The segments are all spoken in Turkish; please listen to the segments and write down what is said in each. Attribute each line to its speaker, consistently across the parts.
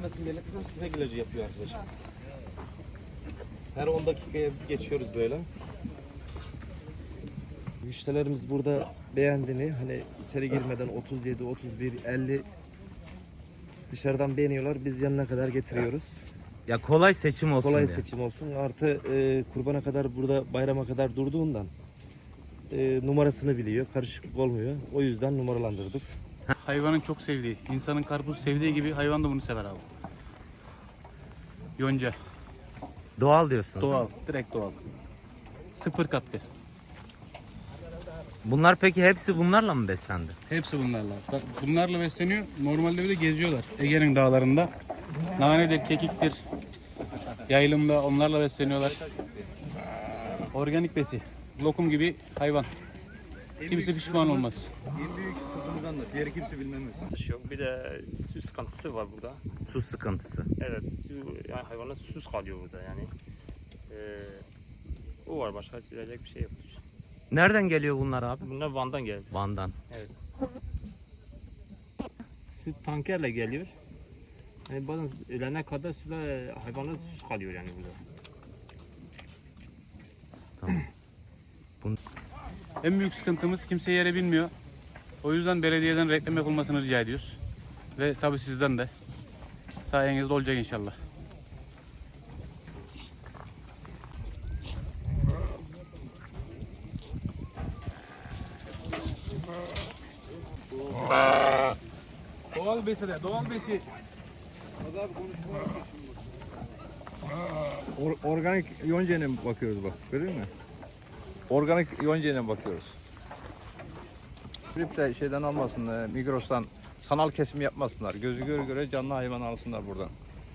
Speaker 1: gelmesin diye sinek ilacı yapıyor arkadaşımız. Her 10 dakikaya geçiyoruz böyle. Müşterilerimiz burada beğendiğini, hani içeri girmeden 37, 31, 50 dışarıdan beğeniyorlar. Biz yanına kadar getiriyoruz.
Speaker 2: Ya kolay seçim olsun
Speaker 1: Kolay
Speaker 2: diye.
Speaker 1: seçim olsun. Artı kurbana kadar burada, bayrama kadar durduğundan numarasını biliyor. Karışıklık olmuyor. O yüzden numaralandırdık.
Speaker 3: Hayvanın çok sevdiği, insanın karpuz sevdiği gibi hayvan da bunu sever abi. Yonca.
Speaker 2: Doğal diyorsun.
Speaker 3: Doğal, direkt doğal. Sıfır katkı.
Speaker 2: Bunlar peki hepsi bunlarla mı beslendi?
Speaker 3: Hepsi bunlarla. Bak bunlarla besleniyor. Normalde bir de geziyorlar. Ege'nin dağlarında. Nanedir, kekiktir. Yaylımda onlarla besleniyorlar. Organik besi. Lokum gibi hayvan. Kimse pişman olmaz.
Speaker 1: En büyük sıkıntımız anlat. Diğeri kimse bilmez.
Speaker 4: Yok. Bir de su sıkıntısı var burada.
Speaker 2: Su sıkıntısı.
Speaker 4: Evet, su, yani hayvanlar susuz kalıyor burada yani. O var, başka söyleyecek bir şey yok.
Speaker 2: Nereden geliyor bunlar abi?
Speaker 4: Bunlar Van'dan geldi.
Speaker 2: Van'dan.
Speaker 4: Evet. Su tankerle geliyor. Yani bazen ölene kadar sular, hayvanlar susuz kalıyor yani burada.
Speaker 2: Tamam.
Speaker 3: En büyük sıkıntımız kimse yere binmiyor. O yüzden belediyeden reklam yapılmasını rica ediyoruz. Ve tabii sizden de. Sayenizde olacak inşallah. Doğal besi de, doğal besi.
Speaker 5: Organik yoncayla bakıyoruz bak, görüyor musun? Organik yoncayla bakıyoruz. Grip de şeyden almasın, Migros'tan sanal kesim yapmasınlar. Gözü göre göre canlı hayvan alsınlar buradan.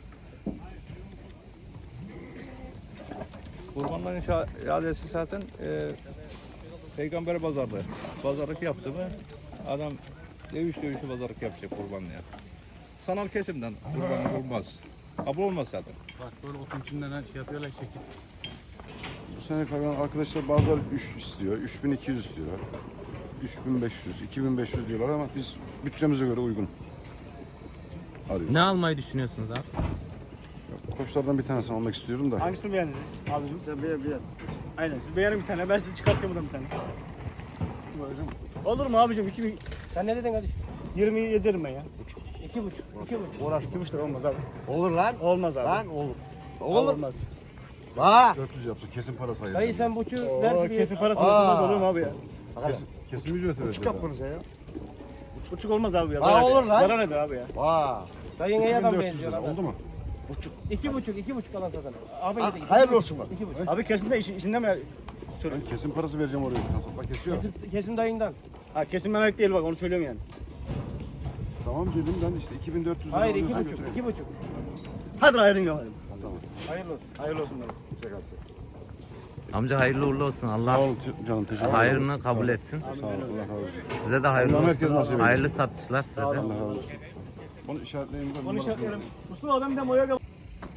Speaker 5: Kurbanların iadesi zaten Peygamber pazarlık yaptı mı adam dövüşü pazarlık yapacak kurbanlıya. Sanal kesimden kurban olmaz. Kabul olmaz zaten.
Speaker 3: Bak böyle otun içinden şey yapıyorlar şekil.
Speaker 6: Bu sene hayvan arkadaşlar bazıları 3 istiyor, 3200 istiyor, 3500, 2500 diyorlar ama biz bütçemize göre uygun arıyoruz.
Speaker 2: Ne almayı düşünüyorsunuz abi?
Speaker 6: Koçlardan bir tanesini almak istiyorum da.
Speaker 7: Hangisini beğendiniz abicim? Sen beğen. Aynen siz beğenin bir tane. Ben size çıkartayım buradan bir tane. Olur mu abicim? 2000. Sen ne dedin kardeşim? 27 derim ben ya. 2,5. Uğraş 2,5 lira olmaz abi.
Speaker 8: Olur lan.
Speaker 7: Olmaz abi.
Speaker 8: Lan olur.
Speaker 7: Olmaz.
Speaker 8: Bak.
Speaker 6: 400 yapsın, kesin parası ayırın.
Speaker 7: Dayı sen buçuğu versin. Kesin parası nasıl olur mu abi ya?
Speaker 6: Kesin ücret vereceğiz.
Speaker 8: Buçuk yapmanız ya.
Speaker 7: Buçuk olmaz abi ya.
Speaker 8: Aa, olur lan.
Speaker 7: Zarar eder abi ya.
Speaker 8: Vak.
Speaker 7: Dayın iyi adam
Speaker 6: 2400
Speaker 7: benziyor
Speaker 6: lira
Speaker 7: abi.
Speaker 6: oldu mu?
Speaker 7: 2,5 alan zaten. Abi
Speaker 8: Hayırlı olsun bak.
Speaker 7: 2,5. Abi kesin de işinde mi?
Speaker 6: Ben kesin parası vereceğim oraya. Kasapla kesiyor.
Speaker 7: Kesim dayından. Ha kesim merak değil bak onu söylüyorum yani.
Speaker 6: Tamam dedim ben işte 2400 lira
Speaker 7: Hayır
Speaker 6: alıyorsan
Speaker 7: 2,5.
Speaker 6: götüreyim.
Speaker 7: 2,5. Hadi ayrın yapalım.
Speaker 6: Tamam.
Speaker 7: Hayırlı olsun. Hayırlı olsun bana.
Speaker 2: Amca hayırlı uğurlu olsun.
Speaker 6: Sağ
Speaker 2: Allah
Speaker 6: ol canım, teşekkür ederim.
Speaker 2: hayrını kabul etsin.
Speaker 6: Sağ ol, Allah razı olsun.
Speaker 2: Size de hayırlı
Speaker 6: Allah herkes nasip
Speaker 2: olsun.
Speaker 6: eylesin.
Speaker 2: Hayırlı satışlar size de.
Speaker 6: Allah razı olsun. Onu işaretleyin.
Speaker 7: Onu işaretleyelim. Mustafa adam bir de boya kal.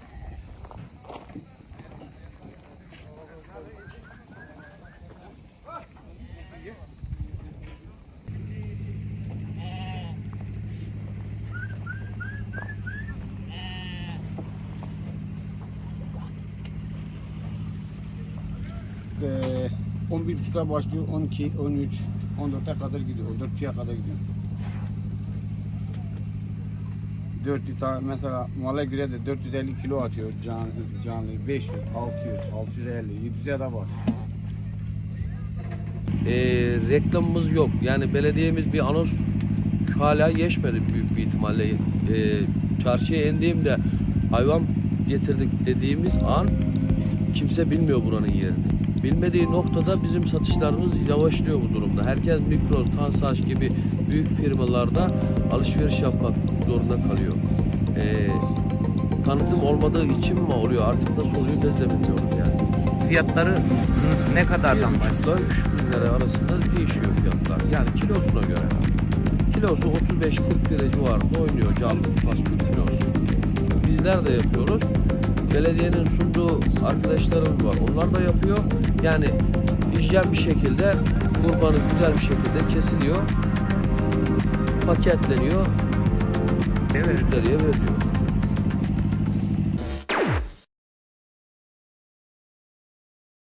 Speaker 9: Ee, 11.30'da başlıyor, 12, 13, 14'e kadar gidiyor, 14.30'ya kadar gidiyor. 400 tane mesela mala göre de 450 kilo atıyor canlı 500, 600, 650, 700'e de var.
Speaker 10: Reklamımız yok. Yani belediyemiz bir anons hala geçmedi büyük bir ihtimalle. Çarşıya indiğimde hayvan getirdik dediğimiz an kimse bilmiyor buranın yerini. Bilmediği noktada bizim satışlarımız yavaşlıyor bu durumda. Herkes Migros, Kansaç gibi büyük firmalarda alışveriş yapmak zorunda kalıyor. Tanıtım olmadığı için mi oluyor? Artık nasıl oluyor biz de bilmiyoruz yani.
Speaker 2: Fiyatları ne kadardan başlıyor?
Speaker 10: 3.000 lira arasında değişiyor fiyatlar. Yani kilosuna göre. Kilosu 35-40 lira civarında oynuyor canlı fasulye kilosu. Bizler de yapıyoruz. Belediyenin sunduğu arkadaşlarımız var. Onlar da yapıyor. Yani hijyen bir şekilde kurbanı güzel bir şekilde kesiliyor. Paketleniyor. Müşteriye veriliyor.